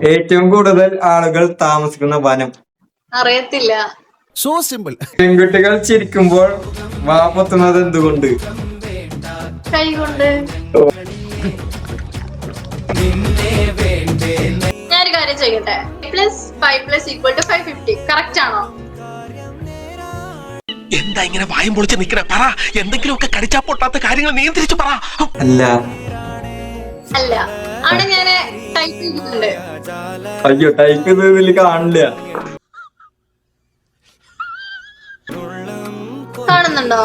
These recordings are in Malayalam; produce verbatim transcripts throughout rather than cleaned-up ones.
ഏറ്റവും കൂടുതൽ ആളുകൾ താമസിക്കുന്ന വനം. അറിയത്തില്ല. So simple. പെൺകുട്ടികൾ ചിരിക്കുമ്പോൾ വാ പൊത്തുന്നത് എന്തുകൊണ്ട്? കൈകൊണ്ട്. ഞാനൊരു കാര്യം ചെയ്യട്ടെ. Plus five plus equal to five fifty correct ആണോ? എന്താ ഇങ്ങനെ വായും പൊളിച്ച് നിക്കണേ? പറ, എന്തെങ്കിലുമൊക്കെ കടിച്ചാ പൊട്ടാത്ത കാര്യങ്ങൾ നിയന്ത്രിച്ചു പറ. അല്ല. അല്ല അവിടെ ഞാൻ ടൈപ്പ് ചെയ്തിട്ടുണ്ട്. അയ്യോ, ടൈപ്പ് ചെയ്തതിൽ കാണില്ല. കാണുന്നുണ്ടോ?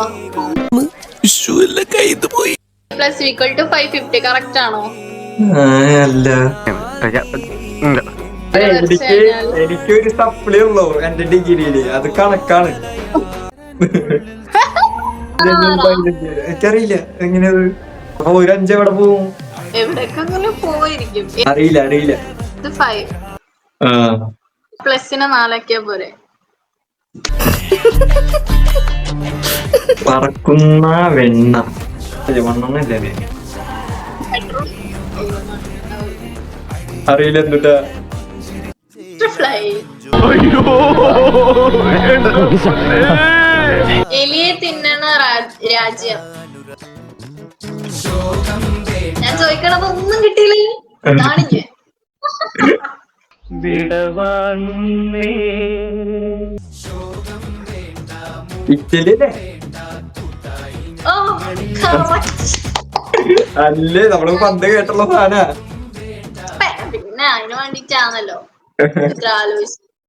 പോയി. Plus equal to five fifty correct ആണോ? അല്ല. എനിക്ക് എനിക്കൊരു സപ്ലി ഉള്ളൂ എന്റെ ഡിഗ്രിയില്, അത് കണക്കാണ്. എനിക്കറിയില്ല എങ്ങനെയത്. അപ്പൊ ഒരു അഞ്ച് എവിടെ പോവും? എവിടേക്കെങ്കിലും പോയിരിക്കും. അറിയില്ല അറിയില്ല. ഫൈവ് പ്ലസിന് നാലാക്കിയാ പോരെ? പറക്കുന്ന വെണ്ണ വണ്ണല്ലേ? അറിയില്ല എന്തുട്ടാ. എലിയെ തിന്നണ രാജ്യം. ഞാൻ ചോദിക്കണത് ഒന്നും കിട്ടിയില്ല. കാണിക്കേ ഇറ്റലിയല്ലേ? ഓ അല്ലേ, നമ്മള് പണ്ട് കേട്ടുള്ള സാധന. പിന്നെ അതിന് വേണ്ടിട്ടാണല്ലോ ആലോചിച്ചു.